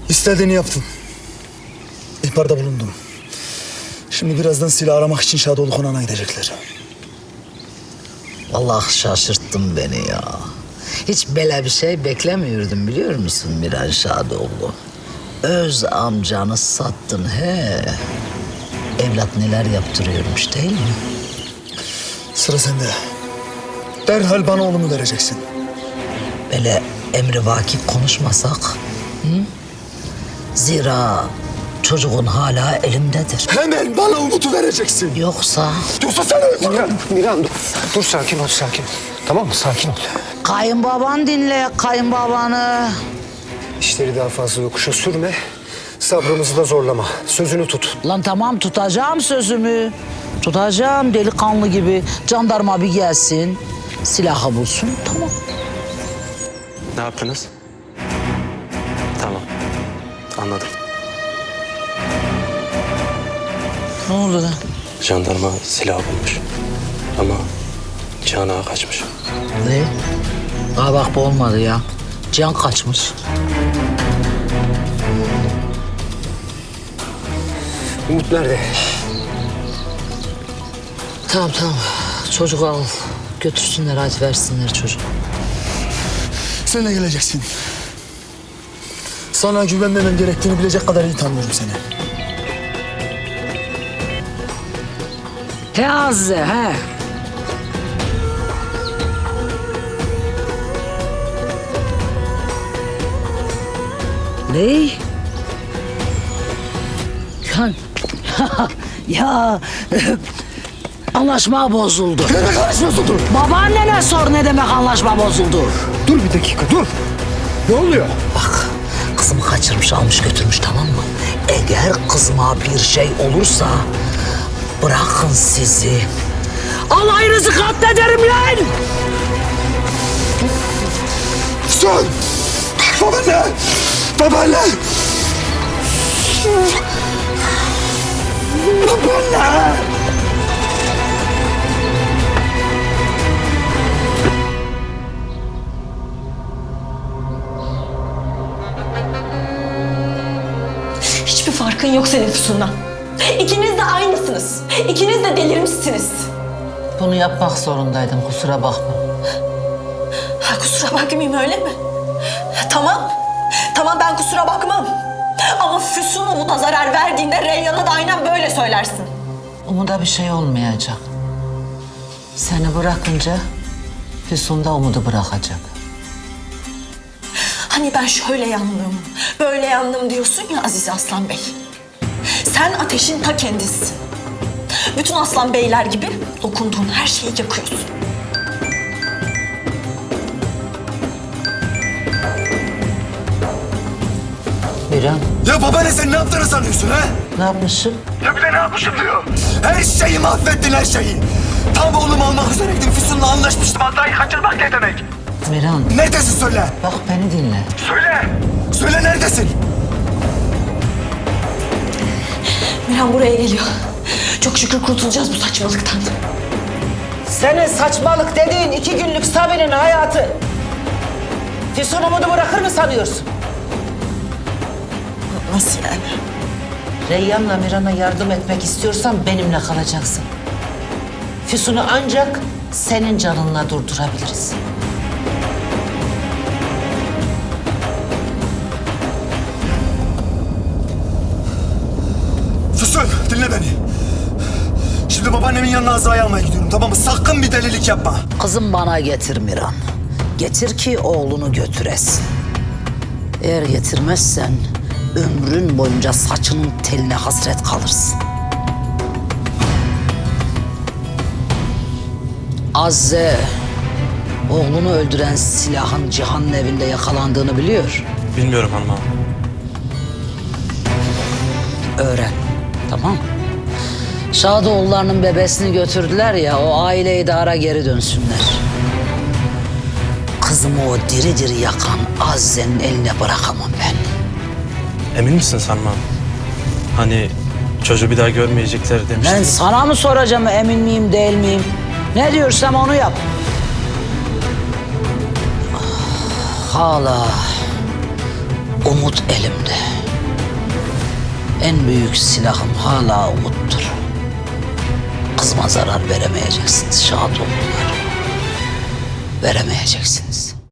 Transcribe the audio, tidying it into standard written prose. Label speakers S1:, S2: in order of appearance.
S1: İstediğini yaptın. İhbarda bulundum. Şimdi birazdan silah aramak için Şadoğlu konağına gidecekler.
S2: Vallahi şaşırttın beni ya. Hiç böyle bir şey beklemiyordum biliyor musun Miran Şadoğlu? Öz amcanı sattın he. Evlat neler yaptırıyormuş değil mi?
S1: Sıra sende. Derhal bana oğlumu vereceksin.
S2: Böyle emrivaki konuşmasak. Hı? Zira çocuğun hala elimdedir.
S1: Hemen bana Umut'u vereceksin.
S2: Yoksa
S1: Yoksa sen öldürürüm.
S3: Miran dur. Dur sakin ol sakin ol. Tamam mı? Sakin ol.
S2: kayınbaban dinle kayınbabanı.
S3: İşleri daha fazla yokuşa sürme. Sabrımızı da zorlama. Sözünü tut.
S2: Lan tamam tutacağım sözümü. Tutacağım delikanlı gibi. Jandarma bir gelsin. Silahı bulsun tamam.
S4: Ne yaptınız? Tamam. Anladım.
S2: Ne oldu lan?
S4: Jandarma silah bulmuş. Ama Cihan Ağa kaçmış.
S2: Ne? Aa bak bu olmadı ya. Cihan kaçmış.
S3: Umut nerede?
S2: Tamam. Çocuk al. Götürsünler hadi versinler çocuğu.
S1: Sen de geleceksin. Sana güvenmemem gerektiğini bilecek kadar iyi tanıyorum seni.
S2: He Azze he. Ne? Kan. Ya anlaşma bozuldu.
S1: Ne demek karışmıyorsun dur?
S2: Babaannene sor ne demek anlaşma bozuldu.
S3: Dur bir dakika dur. Ne oluyor?
S2: Bak kızımı kaçırmış almış götürmüş tamam mı? Eğer kızıma bir şey olursa bırakın sizi. Alayınızı katlederim lan!
S1: Son! Babaanne! Babaanne! Babaanne!
S5: Hiçbir farkın yok senin Füsun'dan. İkiniz de aynısınız. İkiniz de delirmişsiniz.
S2: Bunu yapmak zorundaydım kusura bakma.
S5: Ha, kusura bakmayayım öyle mi? Tamam. Tamam ben kusura bakmam. Ama Füsun Umut'a zarar verdiğinde Reyyan'a da aynen böyle söylersin.
S2: Umut'a bir şey olmayacak. Seni bırakınca Füsun da Umut'u bırakacak.
S5: Hani ben şöyle yandım, böyle yandım diyorsun ya Aziz Aslan Bey. Sen ateşin ta kendisisin. Bütün aslan beyler gibi dokunduğun her şeyi yakıyorsun.
S2: Miran
S1: Ya babaanne sen ne yaptığını sanıyorsun ha?
S2: ne yapmışım?
S1: Ya bir de ne yapmışım diyor. Her şeyi mahvettin her şeyi. Tam oğlumu almak üzereydim. Füsun'la anlaşmıştım. Hatta kaçırmak ne demek?
S2: Miran
S1: Neredesin söyle.
S2: bak beni dinle.
S1: Söyle. Söyle neredesin?
S5: Miran buraya geliyor. Çok şükür kurtulacağız bu saçmalıktan.
S2: Senin saçmalık dediğin 2 günlük Sabi'nin hayatı. Füsun Umut'u bırakır mı sanıyorsun?
S5: Nasıl yani?
S2: Reyyan'la Miran'a yardım etmek istiyorsan benimle kalacaksın. Füsun'u ancak senin canınla durdurabiliriz.
S1: Füsun dinle beni. Şimdi babaannemin yanına Azra'yı almaya gidiyorum tamam mı? Sakın bir delilik yapma.
S2: Kızım bana getir Miran. Getir ki oğlunu götüresin. Eğer getirmezsen ömrün boyunca saçının teline hasret kalırsın. Azze, oğlunu öldüren silahın Cihan'ın evinde yakalandığını biliyor.
S4: Bilmiyorum hanım ağam.
S2: Öğren, tamam mı? Şadoğullarının bebesini götürdüler ya, o aile idara geri dönsünler. Kızımı o diri diri yakan Azze'nin eline bırakamam ben.
S4: Emin misin hanım ağam? Hani çocuğu bir daha görmeyecekler
S2: Ben
S4: demiştiniz.
S2: sana mı soracağım emin miyim değil miyim? Ne diyorsam onu yap. Hala Umut elimde. En büyük silahım hala umuttur. Kızıma zarar veremeyeceksiniz Şadoğullar. Veremeyeceksiniz.